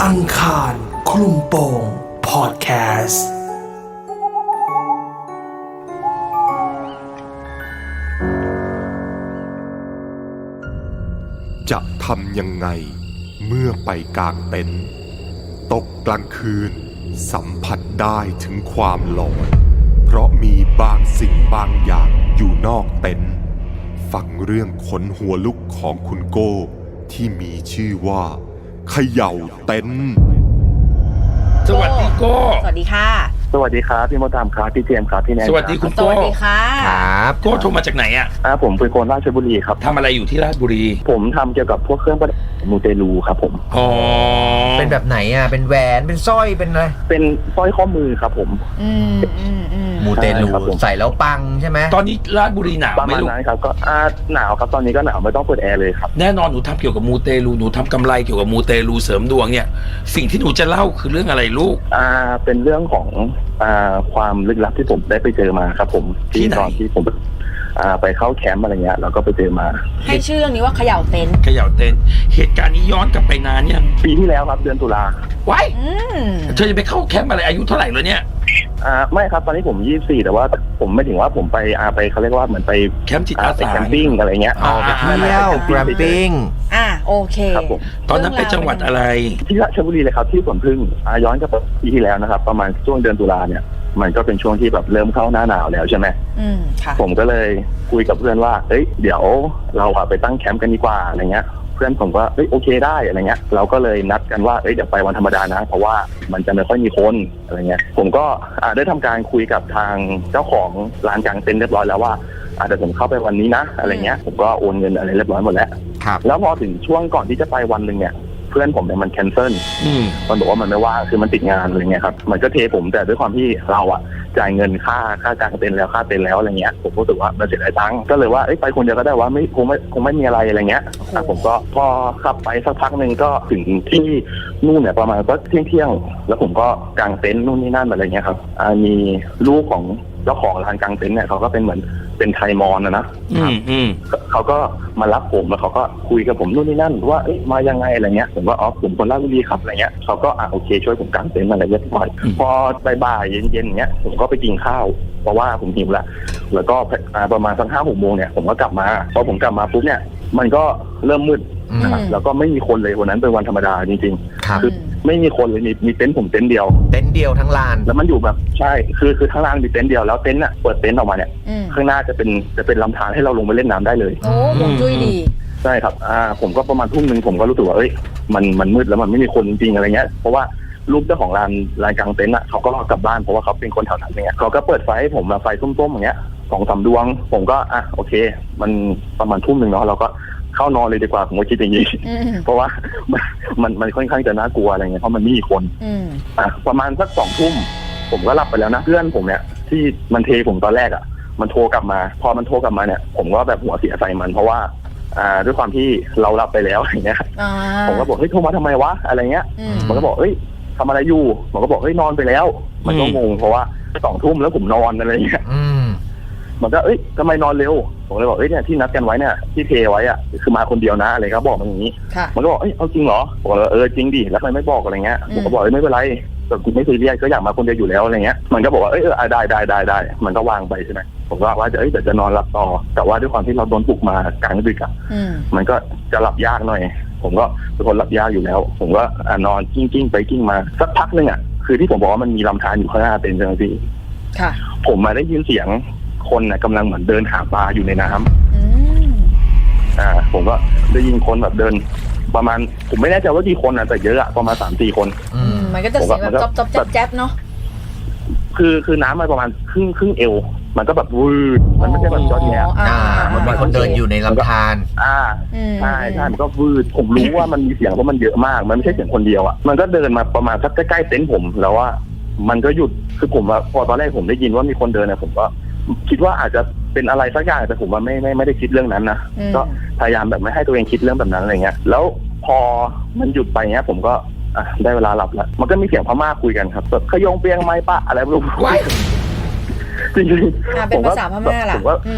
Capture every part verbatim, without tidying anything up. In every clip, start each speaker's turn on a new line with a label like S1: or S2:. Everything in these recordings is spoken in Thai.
S1: อังคารคลุมโปงพอดแคสต์
S2: จะทำยังไงเมื่อไปกางเต็นท์ตกกลางคืนสัมผัสได้ถึงความหลอนเพราะมีบางสิ่งบางอย่างอยู่นอกเต็นท์ฟังเรื่องขนหัวลุกของคุณโก้ที่มีชื่อว่าเขย่าเต็นท์
S3: สวัสดีโก้
S4: สวัสดีค่ะ
S5: สวัสดีครับพี่มดดำครับพี่เจมส์ครับพี่แนน
S3: สวัสดีคุณโก้
S4: สวัสดีค่ะ
S3: ครับโก้โทรมาจากไหนอ่ะ
S5: อ่าผมเป็นคนราชบุรีครับ
S3: ทำอะไรอยู่ที่ราชบุรี
S5: ผมทำเกี่ยวกับพวกเครื่องประดับมูเตลูครับผม
S3: อ๋อ
S6: เป็นแบบไหนอ่ะเป็นแหวนเป็นสร้อยเป็นอะไร
S5: เป็นสร้อยข้อมือครับผม
S4: อืมอืมอืม
S6: มูเตลูใส่แล้วปังใช่ไหม
S3: ตอนนี้ราชบุรีหนาว
S5: ประมาณนั้นครับก็อ่าหนาวครับตอนนี้ก็หนาวไม่ต้องเปิดแอร์เลยครับ
S3: แน่นอนหนูทำเกี่ยวกับมูเตลูหนูทำกำไรเกี่ยวกับมูเตลูเสริมดวงเนี่ยสิ่งที่หนูจะเล่าคือเรื่องอะไรลูก
S5: อ่าเป็นเรื่องของอ่าความลึกลับที่ผมได้ไปเจอมาครับผมที่ตอนที่ผมอ่าไปเข้าแคมป์อะไรเงี้ยแล้วก็ไปเจอมา
S4: ให้ชื่อเรื่องนี้ว่าเขย่าเต็นท์
S3: เขย่าเต็นท์เหตุการณ์นี้ย้อนกลับไปนานยัง
S5: ปีที่แล้วครับเดือนตุลา
S3: ไว้เธอจะไปเข้าแคมป์อะไรอายุเท่าไหร่แล้วเนี่ย
S5: อ่าไม่ครับตอนนี้ผมยี่สิบสี่แต่ว่าผมไม่ถึงว่าผมไปอ่าไปเขาเรียกว่าเหมือนไป
S3: แคมป์จิตอาสา
S5: แคมปิ้งอะไรเงี้ย
S6: อ๋อไปเที่ยวแคมปิ้ง
S4: อ่าโอเค
S5: ครับผม
S3: ตอนนั้นไปจังหวัดอะไร
S5: ที่ราชบุรีเลยครับที่สวนพึ่งอ่าย้อนกลับไปปีที่แล้วนะครับประมาณช่วงเดือนตุลาเนี่ยมันก็เป็นช่วงที่แบบเริ่มเข้าหน้าหนาวแล้วใช่ไหม
S4: อืมค่ะ
S5: ผมก็เลยคุยกับเพื่อนว่าเอ้ยเดี๋ยวเราอะไปตั้งแคมป์กันดีกว่าอะไรเงี้ยเพื่อนผมก็เอ้ยโอเคได้อะไรเงี้ยเราก็เลยนัดกันว่าเอ้ยเดี๋ยวไปวันธรรมดานะเพราะว่ามันจะไม่ค่อยมีคนอะไรเงี้ยผมก็อ่าได้ทำการคุยกับทางเจ้าของร้านกางเต็นท์เรียบร้อยแล้วว่าอาจจะผมเข้าไปวันนี้นะอะไรเงี้ยผมก็โอนเงินอะไรเรียบร้อยหมดแล้วแล้วพอถึงช่วงก่อนที่จะไปวันนึงเนี่ยเพื่อนผมเนี่ยมันแคนเซิลมันบอกว่ามันไม่ว่างคือมันติดงานอะไรเงี้ยครับมันก็เทผมแต่ด้วยความที่เราอะจ่ายเงินค่าค่ากางเต็นท์แล้วค่าเต็นท์แล้วอะไรเงี้ยผมรู้สึกว่ามันเสียดายตังค์ก็เลยว่าไปคนเดียวก็ได้ว่าไม่คงไม่คงไม่มีอะไรอะไรเงี้ยผมก็พอขับไปสักพักหนึ่งก็ถึงที่นู่นเนี่ยประมาณก็เที่ยงเที่ยงแล้วผมก็กางเต็นท์นู่นนี่นั่นอะไรเงี้ยครับมีลูกของเจ้าของร้านกางเต็นท์เนี่ยเขาก็เป็นเหมือนเป็นไทยมอนนะนะเขาก็มารับผมแล้วเขาก็คุยกับผมนู่นนี่นั่นว่าเอ๊ะมายังไงอะไรเงี้ยผมว่าอ๋อผมคนราชบุรีครับอะไรเงี้ยเขาก็อ่ะโอเคช่วยผมกางเต็นท์อะไรเรียบร้อยพอบ่ายๆเย็นๆอย่างเงี้ยผมก็ไปกินข้าวเพราะว่าผมหิวละแล้วก็ประมาณสักห้าหกโมงเนี่ยผมก็กลับมาพอผมกลับมาปุ๊บเนี่ยมันก็เริ่มมืดนะครับแล้วก็ไม่มีคนเลยวันนั้นเป็นวันธรรมดาจริงๆคือไม่มีคนเลยมีมีเต็นท์ผมเต็นท์เดียว
S6: เต็นท์เดียวทั้งลาน
S5: แล้วมันอยู่แบบใช่คือคือทั้งลานมีเต็นท์เดียวแล้วเต็นท์อ่ะเปิดเต็นท์ออกมาเนี่ยข้างหน้าจะเป็นจะเป็นลำธารให้เราลงไปเล่นน้ำได้เลย
S4: โอ้คงจุ้ยดี
S5: ใช่ครับอ่าผมก็ประมาณทุ่มนึงผมก็รู้สึกว่าเอ้ยมันมันมืดแล้วมันไม่มีคนจริงๆอะไรเงี้ยเพราะว่าลูกเจ้าของร้านร้านกางเต็นท์อ่ะเขาก็กลับบ้านเพราะว่าเขาเป็นคนแถวนั้นอย่างเงี้ยเขาก็เปิดไฟให้ผมมาไฟส้มๆอย่างเงี้ยสองสามดวงผมก็อ่ะโอเคมันประมาณทุ่มนึงเนาะเราก็เข้านอนเลยดีกว่าผมก็คิดอย่างนี้เพราะว่ามันมันมันค่อนข้างจะน่ากลัวอะไรเงี้ยเพราะมันไม่มีคนอ่ะประมาณสักสองทุ่มผมก็หลับไปแล้วนะเพื่อนผมเนี่ยที่มันเทผมตอนแรกอ่ะมันโทรกลับมาพอมันโทรกลับมาเนี่ยผมก็แบบหัวเสียใส่มันเพราะว่าอ่าด้วยความที่เราหลับไปแล้วอย่างเงี้ยผมก็บอกเฮ้ยโทรมาทำไมวะอะไรเงี้ยมันก็บอกเฮ้ยทำอะไรอยู่มันก็บอกเฮ้ยนอนไปแล้วมันก็งงเพราะว่าสองทุ่มแล้วผมนอนอะไรเงี้ยมันก็เอ้ยทำไมนอนเร็วผมเลยบอกเอ้ยเนี่ยที่นัดกันไว้เนี่ยที่เทไว้อ่ะคือมาคนเดียวนะอะไรครับบอกมันอย่างนี้มันก็บอกเอ้ยเอาจริงเหรอผมก็เออจริงดิแล้วทำไมไม่บอกอะไรเงี้ยผมก็บอกเอ้ยไม่เป็นไรแต่ไม่ซีเรียสก็อยากมาคนเดียวอยู่แล้วอะไรเงี้ยมันก็บอกว่าเอ้ยเออได้ได้ได้ได้มันก็วางไปใช่ไหมผมก็ว่าจะเอ้ยเดี๋ยวจะนอนหลับต่อแต่ว่าด้วยความที่เราโดนปลุกมากลางดึกอ่ะมันก็จะหลับยากหน่อยผมก็เป็นคนหลับยากอยู่แล้วผมก็นอนกิ้งกิ้งไปกิ้งมาสักพักนึงอ่ะคือที่ผมบอกว่ามันมีลำธารอยู่ข้างหน้าเป็นจังซี่ผมมาได้ยินเสียงคนน่ะกำลังเหมือนเดินหาปลาอยู่ในน้ำอ่าผมก็ได้ยินคนแบบเดินประมาณผมไม่แน่ใจว่ากี่คนนะแต่เยอะอะประมาณสามสี่คน
S4: อืมมันก็จะเสียงแบบจ๊อบจ๊อบแจ๊บแจ๊บเนาะ
S5: คือคือน้ำมันประมาณครึ่งครึ่งเอวมันก็แบบวืดมันไม่ใช่แบบจอดแย่
S6: อ่ามันมีคนเดินอยู่ในลำธาร
S5: อ่าใช่ใช่มันก็วืดผมรู้ว่ามันมีเสียงเพราะมันเยอะมากมันไม่ใช่เสียงคนเดียวอ่ะมันก็เดินมาประมาณสักใกล้ๆเต็นท์ผมแล้วว่ามันก็หยุดคือผมว่าพอตอนแรกผมได้ยินว่ามีคนเดินนะผมก็คิดว่าอาจจะเป็นอะไรสักอย่างแต่ผมว่าไม่ไม่ไม่ได้คิดเรื่องนั้นนะก็พยายามแบบไม่ให้ตัวเองคิดเรื่องแบบนั้นอะไรเงี้ยแล้วพอมันหยุดไปเงี้ยผมก็อ่ะได้เวลาหลับแล้วมันก็มีเสียงพม่าคุยกันครับแบบขยงเปียงไม้ปะอะไรไม่รู้จริงๆ
S4: เป็นภาษาพม่าล่ะผม
S5: ก็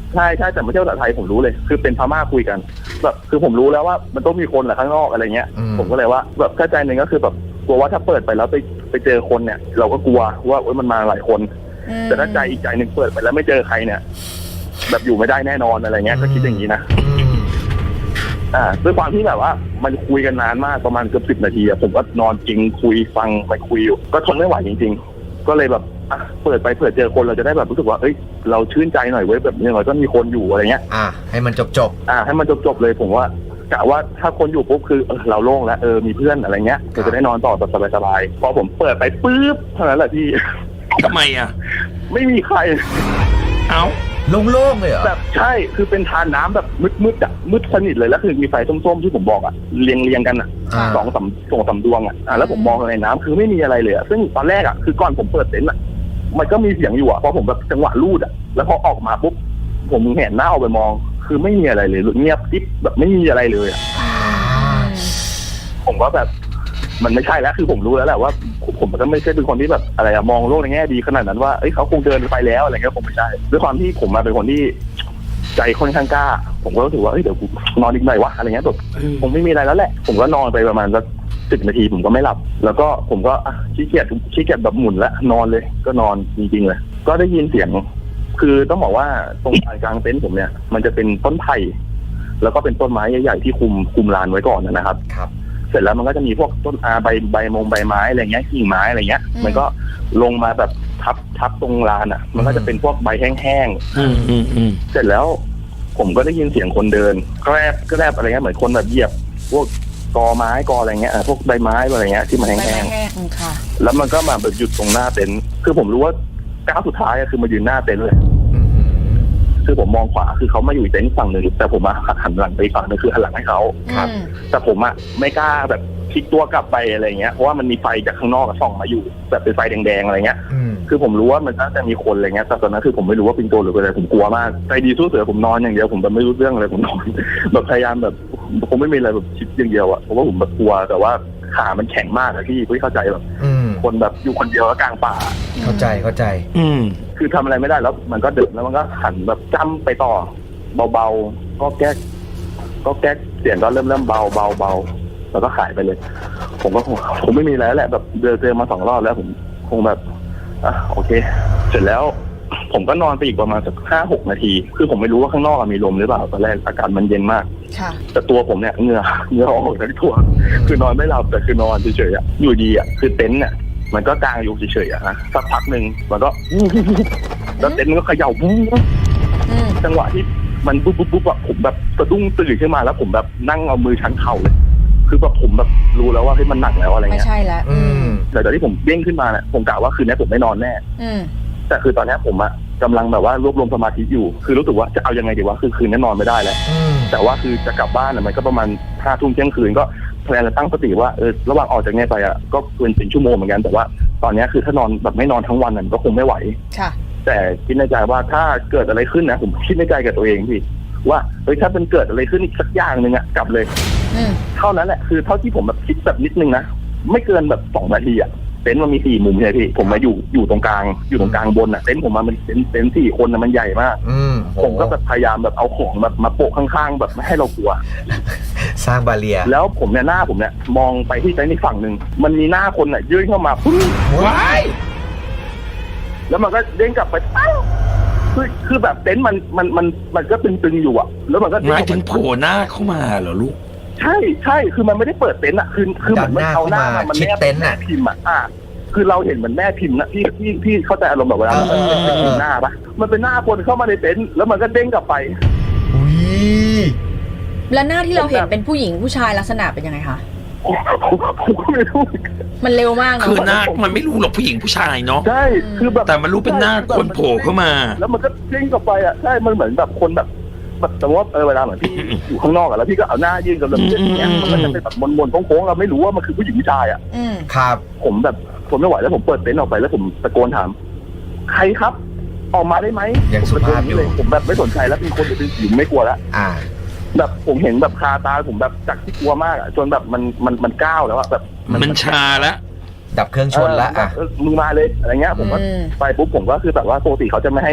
S5: ใช่ใช่แต่ไม่ใช่ภาษาไทยผมรู้เลยคือเป็นพม่าคุยกันแบบคือผมรู้แล้วว่ามันต้องมีคนแหละข้างนอกอะไรเงี้ยผมก็เลยว่าแบบเข้าใจหนึ่งก็คือแบบกลัวว่าถ้าเปิดไปแล้วไปไปเจอคนเนี่ยเราก็กลัวว่ามันมาหลายคนแต่ถ้าใจอีกใจหนึ่งเปิดไปแล้วไม่เจอใครเนี่ยแบบอยู่ไม่ได้แน่นอนอะไรเงี้ยก็คิดอย่างนี้นะอ่าด้วยความที่แบบว่ามันคุยกันนานมากประมาณเกือบสิบนาทีอะผมก็นอนจริงคุยฟังไปคุยอยู่ก็ทนไม่ไหวจริงๆก็เลยแบบอ่ะเปิดไปเผื่อเจอคนเราจะได้แบบรู้สึกว่าเอ้ยเราชื่นใจหน่อยเว้ยแบบอย่างน้อยก็มีคนอยู่อะไรเงี้ย
S6: อ่าให้มันจบจบ
S5: อ่าให้มันจบๆเลยผมว่ากะว่าถ้าคนอยู่ปุ๊บคือเออเราโล่งแล้วเออมีเพื่อนอะไรเงี้ยเราจะได้นอนต่อแบบสบายๆพอผมเปิดไปปุ๊บเท่านั้นแหละพี่
S3: ทำไมอ่ะ
S5: ไม่มีใคร
S3: เอ้า
S6: โล่งๆเลยเหรอ
S5: แบบใช่คือเป็นทานน้ำแบบมืดๆอ่ะมืดสนิทเลยแล้วคือมีไฟส้มๆที่ผมบอกอ่ะเรียงเรียงกันอ่ะสองสามสองสามดวงอ่ะอ่าแล้วผมมองในน้ำคือไม่มีอะไรเลยอ่ะซึ่งตอนแรกอ่ะคือก่อนผมเปิดเต็นท์อ่ะมันก็มีเสียงอยู่อ่ะพอผมแบบจังหวะลูดอ่ะแล้วพอออกมาปุ๊บผมเห็นหน้าออกไปมองคือไม่มีอะไรเลยเงียบกิ๊บแบบไม่มีอะไรเลยอ่ะผมก็แบบมันไม่ใช่แล้วคือผมรู้แล้วแหละว่าผมก็ไม่ใช่เป็นคนที่แบบอะไรอะมองโลกในแง่ดีขนาดนั้นว่าเอ้ยเขาคงเดินไปแล้วอะไรเงี้ยผมไม่ใช่ด้วยความที่ผมมาเป็นคนที่ใจค่อนข้างกล้าผมก็รู้สึกว่าเอ้ยเดี๋ยวกูนอนอีกหน่อยวะอะไรเงี้ยแบบคงไม่มีอะไรแล้วแหละผมก็นอนไปประมาณสักสิบนาทีผมก็ไม่หลับแล้วก็ผมก็ขี้เกียจขี้เกียจแบบหมุนแล้วนอนเลยก็นอนจริงๆเลยก็ได้ยินเสียงคือต้องบอกว่าตรงกลางเต็นท์ผมเนี่ยมันจะเป็นต้นไผ่แล้วก็เป็นต้นไม้ใหญ่ๆที่คุมคุมลานไว้ก่อนนะครับ
S6: ครับ
S5: เสร็จแล้วมันก็จะมีพวกต้นอาใบใบมงใบไม้อะไรเงี้ยกิ่งไม้อะไรเงี้ยมันก็ลงมาแบบทับทับตรงลานอ่ะมันก็จะเป็นพวกใบแห้งๆเสร็จแล้วผมก็ได้ยินเสียงคนเดินแกรบแกรบอะไรเงี้ยเหมือนคนแบบเหยียบพวกกอไม้กออะไรเงี้ยพวกใบไม้อะไรเงี้ยที่มันแห้งๆแล้วมันก็มาแบบหยุดตรงหน้าเต็นท์คือผมรู้ว่าก้าวสุดท้ายคือมายืนหน้าเต็นท์เลยคือผมมองขวาคือเขามาอยู่เต็นท์ฝั่งหนึ่งแต่ผมมาหันหลังไปฝั่งนึงคือหันหลังให้เขาครับแต่ผมอ่ะไม่กล้าแบบพลิกตัวกลับไปอะไรเงี้ยเพราะว่ามันมีไฟจากข้างนอกส่องมาอยู่แบบเป็นไฟแดงๆอะไรเงี้ยคือผมรู้ว่ามันน่าจะมีคนอะไรเงี้ยแต่ตอนนั้นคือผมไม่รู้ว่าเป็นตัวหรือเป็นอะไรผมกลัวมากใจดีสู้เสือผมนอนอย่างเดียวผมแบบไม่รู้เรื่องอะไรผมนอนแบบพยายามแบบผมไม่มีอะไรแบบคิดอย่างเดียวอ่ะเพราะว่าผมแบบกลัวแต่ว่าขามันแข็งมากอะพี่พี่เข้าใจแบบคนแบบอยู่คนเดียวกลางป่า
S6: เข้าใจเข้าใจ
S5: อืมคือทำอะไรไม่ได้แล้วมันก็ดึกแล้วมันก็หันแบบจ้ำไปต่อเบาๆก็แก๊กก็แก๊กเสียงก็เริ่มเริ่มเบาเบาเบาแล้วก็หายไปเลยผมก็ผมไม่มีแล้วแหละแบบเดินเจอมาสองรอบแล้วผมคงแบบอ่ะโอเคเสร็จแล้วผมก็นอนไปอีกประมาณสักห้าหกนาทีคือผมไม่รู้ว่าข้างนอกมีลมหรือเปล่าตอนแรกอากาศมันเย็นมากแต่ตัวผมเนี่ยเหงื่อเหงื่อออกทั้งตัวคือนอนไม่หลับแต่คือนอนเฉยๆอ่ะอยู่ดีอ่ะคือเต็นท์เนี่ยมันก็กางอยู่เฉยๆอ่ะนะสักพักหนึ่งมันก็แล้วเต็นท์มันก็เขย่าปุ๊บจังหวะที่มันปุ๊บปุ๊บปุ๊บอ่ะผมแบบสะดุ้งตื่นขึ้นมาแล้วผมแบบนั่งเอามือชันเข่าเลยคือแบบผมแบบรู้แล้วว่าเฮ้ยมันหนักแล้วอะไรเงี้ย
S4: ไม่ใช่แล้ว
S5: แต่ตอนที่ผมเด้งขึ้นมาเนี่ยผมกะว่าคืนนี้ผมไม่นอนแน่แต่คือตอนนี้ผมอะกำลังแบบว่ารวบรวมสมาธิอยู่คือรู้สึกว่าจะเอายังไงดีวะคือคืนนี้นอนไม่ได้แล้วแต่ว่าคือจะกลับบ้านมันก็ประมาณห้าทุ่มเที่ยงคืนก็แพลนจะตั้งสติว่าเออระหว่างออกจากเนี่ยไปอะก็เกินเป็นชั่วโมงเหมือนกันแต่ว่าตอนนี้คือถ้านอนแบบไม่นอนทั้งวันมันก็คงไม่ไหวแต่คิดในใจว่าถ้าเกิดอะไรขึ้นนะผมคิดในใจกับตัวเองพี่ว่าเฮ้ยถ้าเป็นเกิดอะไรขึ้นอีกสักอย่างหนึ่งอะกลับเลยเท่านั้นแหละคือเท่าที่ผมแบบคิดแบบนิดนึงนะไม่เกินแบบสองนาทีอะเต็นท์มันมีสี่มุมใช่พี่ผมมาอยู่อยู่ตรงกลางอยู่ตรงกลางบนอ่ะเต็นท์ผมมามันเต็นท์เต็นท์สี่คนนะมันใหญ่มากผมก็แบบพยายามแบบเอาของแบบมาโปะข้างๆแบบไม่ให้เรากลัว
S6: สร้างบาเรีย
S5: แล้วผมเนี่ยหน้าผมเนี่ยมองไปที่เต็นท์อีกฝั่งหนึ่งมันมีหน้าคนอ่ะยื่นเข้ามาปุ๊บว้ายแล้วมันก็เด้งกลับไปปั้งคือคือแบบเต็นท์มันมันมันมันก็ตึงๆอยู่อ่ะแล้วมันก็
S3: หมายถึงโผล่หน้าเข้ามาเหรอลูก
S5: ใช่ใช่คือมันไม่ได้เปิดเต็นท์อ่ะคือคือเหมือนมันเอาหน้ามันแนบแม่พิมพ์อ่ะคือเราเห็นเหมือนแม่พิมพ์นะพี่พี่พี่เข้าใจอารมณ์แบบเวลามันเป็นพิมพ์หน้าปะมันเป็นหน้าคนเข้ามาในเต็นท์แล้วมันก็เด้งกลับไป
S6: อุ้ย
S4: แล้วหน้าที่เราเห็นเป็นผู้หญิงผู้ชายลักษณะเป็นยังไงคะ
S5: ผมก็ไม่รู้
S4: มันเร็วมากเนาะ
S3: คือหน้ามันไม่รู้หรอกผู้หญิงผู้ชายเนาะ
S5: ใช่คือแบบ
S3: แต่มันรู้เป็นหน้าคนโผล่เข้ามา
S5: แล้วมันก็เด้งกลับไปอ่ะใช่มันเหมือนแบบคนแบบแบบแต่ว่าเออเวลาเหมือนพี่อยู่ข้างนอกอะแล้วพี่ก็เอาหน้ายื่นกับเราอย่างเงี้ยมันก็จะเป็นแบบมนๆโค้งๆเราไม่รู้ว่ามันคือผู้หญิงผู้ชายอ่ะ
S6: ครับ
S5: ผมแบบผมไม่ไหวแล้วผมเปิดเต็นท์ออกไปแล้วผมตะโกนถามใครครับออกมาได้ไหม
S6: ยังสุภาพอยู่
S5: ผมแบบไม่สนใจแล้วเป็นคนหรือเป็นหญิงไม่กลัวแล้วแบบผมเห็นแบบคาตาผมแบบจากที่กลัวมากอะจนแบบมันมันมันก้าวแล้วอะแบบ
S3: มันชาแล้ว
S6: ดับเครื่องชนแล้วอ่ะ
S5: มึงมาเลยอะไรเงี้ยผมก็ไปปุ๊บผมก็คือแบบว่าปกติเขาจะไม่ให้แบบ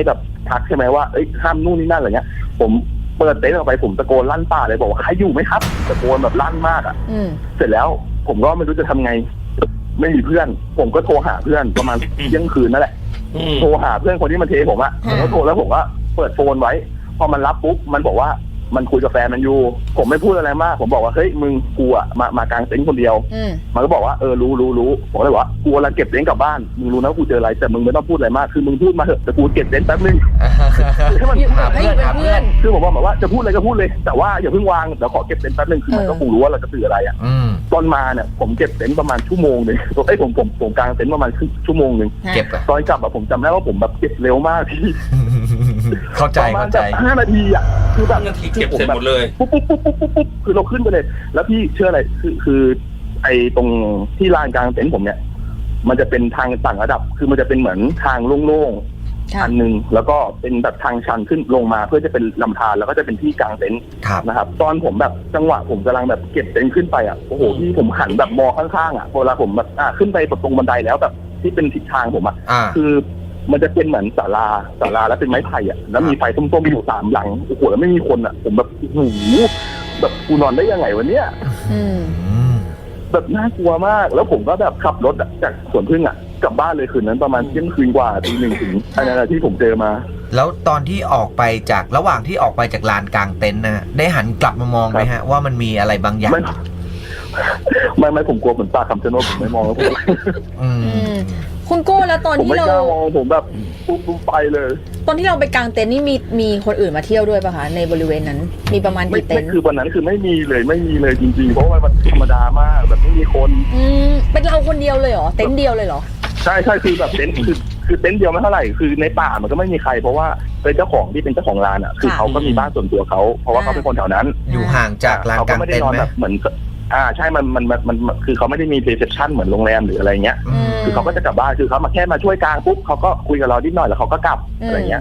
S5: ทักใช่ไหมว่าเอ้ยห้ามนู่นนี่นั่นอะไรเงี้ยผมเปิดเต็นท์ออกไปผมตะโกนลั่นป่าเลยบอกว่าใครอยู่ไหมครับตะโกนแบบลั่นมากอ่ะเสร็จแล้วผมก็ไม่รู้จะทำไงไม่มีเพื่อนผมก็โทรหาเพื่อนประมาณเที่ยงคืนนั่นแหละโทรหาเพื่อนคนที่มันเทผมอ่ะผมก็โทรแล้วผมก็เปิดโฟนไว้พอมันรับปุ๊บมันบอกว่ามันคุยกับแฟนมันอยู่ผมไม่พูดอะไรมากผมบอกว่าเฮ้ยมึงกูอ่ะมามากางเต็นท์คนเดียวมันก็บอกว่าเออรู้รู้รู้ผมเลยบอกว่ากูกำลังเก็บเต็นท์กลับบ้านมึงรู้นะกูเจออะไรแต่มึงไม่ต้องพูดอะไรมากคือมึงพูดมาเถอะแต่กูเก็บเต็นท์แป๊บนึงให้มัน
S6: หาเพื่อนหาเพื่อน
S5: คือผมบอกแบบว่าจะพูดอะไรก็พูดเลยแต่ว่าอย่าเพิ่งวางเดี๋ยวขอเก็บเต็นท์แป๊บนึงคือมันก็คงรู้ว่าเราจะสื่ออะไรอ่ะตอนมาเนี่ยผมเก็บเต็นท์ประมาณชั่วโมงนึงไอ้ผมผมผมกางเต็นท์ประมาณครึ่งชั่วโมงนึง
S6: เก็บ
S5: ตอนกลับอะผมจำได้ว่าผมแบบเก็บเร็วมากพี่
S6: เข้าใจเข้าใจ
S5: ห้านาทีอ่ะคือแบบ
S3: นาทีเก็บเสร็จหมดเลย
S5: ปุ๊บปุ๊บปุ๊บปุ๊บปุ๊บคือเราขึ้นไปเลยแล้วพี่เชื่ออะไรคือคือไอ้ตรงที่ลานกลางเต็นท์ผมเนี่ยมันจะเป็นทางต่างระดับคือมันจะเป็นเหมือนทางโล่งๆอันหนึ่งแล้วก็เป็นแบบทางชันขึ้นลงมาเพื่อจะเป็นลำธารแล้วก็จะเป็นที่กลางเต็นท์นะครับตอนผมแบบจังหวะผมกำลังแบบเก็บเต็นท์ขึ้นไปอ่ะโอ้โหที่ผมหันแบบมองข้างๆอ่ะเวลาผมแบบอ่าขึ้นไปตรงบันไดแล้วแบบที่เป็นทิศทางผมอ่ะคือมันจะเป็นเหมือนศาลาศาลาแล้วเป็นไม้ไผ่อ่ะแล้วมีไฟส้มๆอยู่สามหลังโอ้โหแล้วไม่มีคนอ่ะผมแบบโอ้โหแบบกูนอนได้ยังไงวะเนี่ยแบบน่ากลัวมากแล้วผมก็แบบขับรถจากสวนพึ่งอ่ะกลับบ้านเลยคืนนั้นประมาณเที่ยงคืนกว่าตีหนึ่งถึงอันนั้นที่ผมเจอมา
S6: แล้วตอนที่ออกไปจากระหว่างที่ออกไปจากลานกลางเต็นท์นะได้หันกลับมามองไหมฮะว่ามันมีอะไรบางอย่าง
S5: ไม่ไม่ผมกลัวเหมือนปลาคำชะโนดผมไม่มองแล้วผม
S4: คุณโก้แล้วตอนที่เรา
S5: ผมแบบปุ๊บไปเลย
S4: ตอนที่เราไปกางเต็นท์นี่มีมีคนอื่นมาเที่ยวด้วยป่ะคะในบริเวณนั้นมีประมาณกี่เต็นท์
S5: คือวันนั้นคือไม่มีเลยไม่มีเลยจริงๆเพราะว่ามันธรรมดามากแบบไม่มีคน
S4: อืมเป็นเราคนเดียวเลยเหรอเต็นท์เดียวเลยเหรอ
S5: ใช่ใช่คือแบบเต็นท์คือคือเต็นท์เดียวไม่เท่าไหร่คือในป่ามันก็ไม่มีใครเพราะว่าเป็นเจ้าของที่เป็นเจ้าของร้านอ่ะคือเขาก็มีบ้านส่วนตัวเขาเพราะว่าเขาเป็นคนแถวนั้น
S6: อยู่ห่างจากลานกลางเต็นท์ไหม
S5: เหมือนอ่าใช่มันมันมันคือเขาไม่ได้มีรีเซพชันเหมือนโรงแรมหรืออะไรเงี้ยคือเขาก็จะกลับบ้านคือเขามาแค่มาช่วยกลางปุ๊บเขาก็คุยกับเรานิดหน่อยแล้วเขาก็กลับอะไรเงี้ย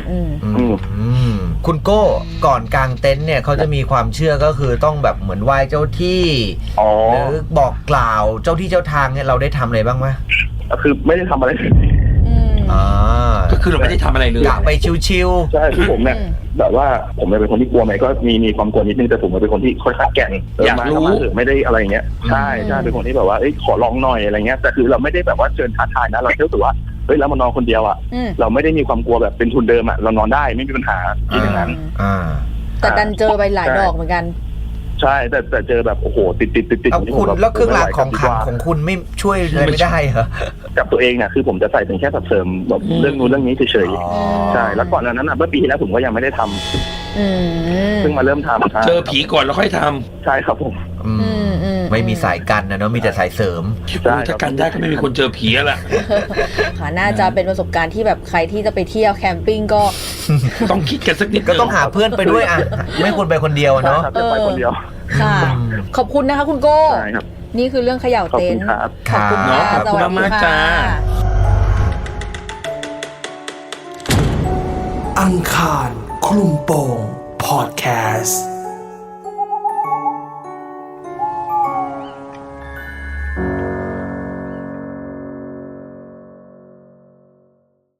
S6: คุณโก้ก่อนกลางเต็นท์เนี่ยเขาจะมีความเชื่อก็คือต้องแบบเหมือนไหว้เจ้าที่หรือบอกกล่าวเจ้าที่เจ้าทางเนี่ยเราได้ทำอะไรบ้างไหม
S5: คือไม่ได้ทำอะไร
S6: อ่า
S3: ก็คือเราไม่ได้ทำอะไรเลย
S6: อยากไปชิว
S5: ๆใช่คือผมเนี่ยแบบว่าผมเป็นคนที่กลัวไหมก็มีมีความกลัวนิดนึงแต่ผมเป็นคนที่ค่อยๆแก่น
S3: อยากรู้
S5: ไม่ได้อะไรเงี้ยใช่ใช่เป็นคนที่แบบว่าเอ้ยขอลองหน่อยอะไรเงี้ยแต่คือเราไม่ได้แบบว่าเชิญท้าทายนะเราเชื่อถือว่าเฮ้ยแล้วมานอนคนเดียวอ่ะเราไม่ได้มีความกลัวแบบเป็นทุนเดิมอ่ะเรานอนได้ไม่มีปัญหาที่อย่างนั้น
S4: แต่ดันเจอไปหลายดอกเหมือนกัน
S5: ใช่แต่แต่เจอแบบโอ้โหติดติดติดติด
S6: คุณแล้วเครื่องรางของขลังของคุณไม่ช่วยอะไรไม่ได้เหรอ
S5: กับตัวเองเนี่ยคือผมจะใส่เป็นแค่สับเสริมแบบเรื่องนู้นเรื่องนี้เฉยๆใช่แล้วก่อนนั้นน่ะเมื่อปีที่แล้วผมก็ยังไม่ได้ทำซึ่งมาเริ่มทำ
S3: เจอผีก่อนแล้วค่อยท
S5: ำใช่ครับผม
S6: ไม่มีสายกันนะเนาะมีแต่สายเสริม
S3: ถ้ากันได้ก็ไม่มีคนเจอผีแล้วล่ะ
S4: ค่ะน่าจะเป็นประสบการณ์ที่แบบใครที่จะไปเที่ยวแคมปิ้งก็
S3: ต้องคิดกันสักนิด
S6: ก็ต้องหาเพื่อนไปด้วยอ่ะไม่ควรไปคนเดียวเนาะ
S5: ไปคนเดียว
S4: ค่ะขอบคุณนะคะคุณโก้นี่คือเรื่องเขย่าเต็นท์
S5: ขอบคุณ
S3: ครับขอบคุณมากๆจ้า
S1: อังคารคลุมโปงพอดแคสต์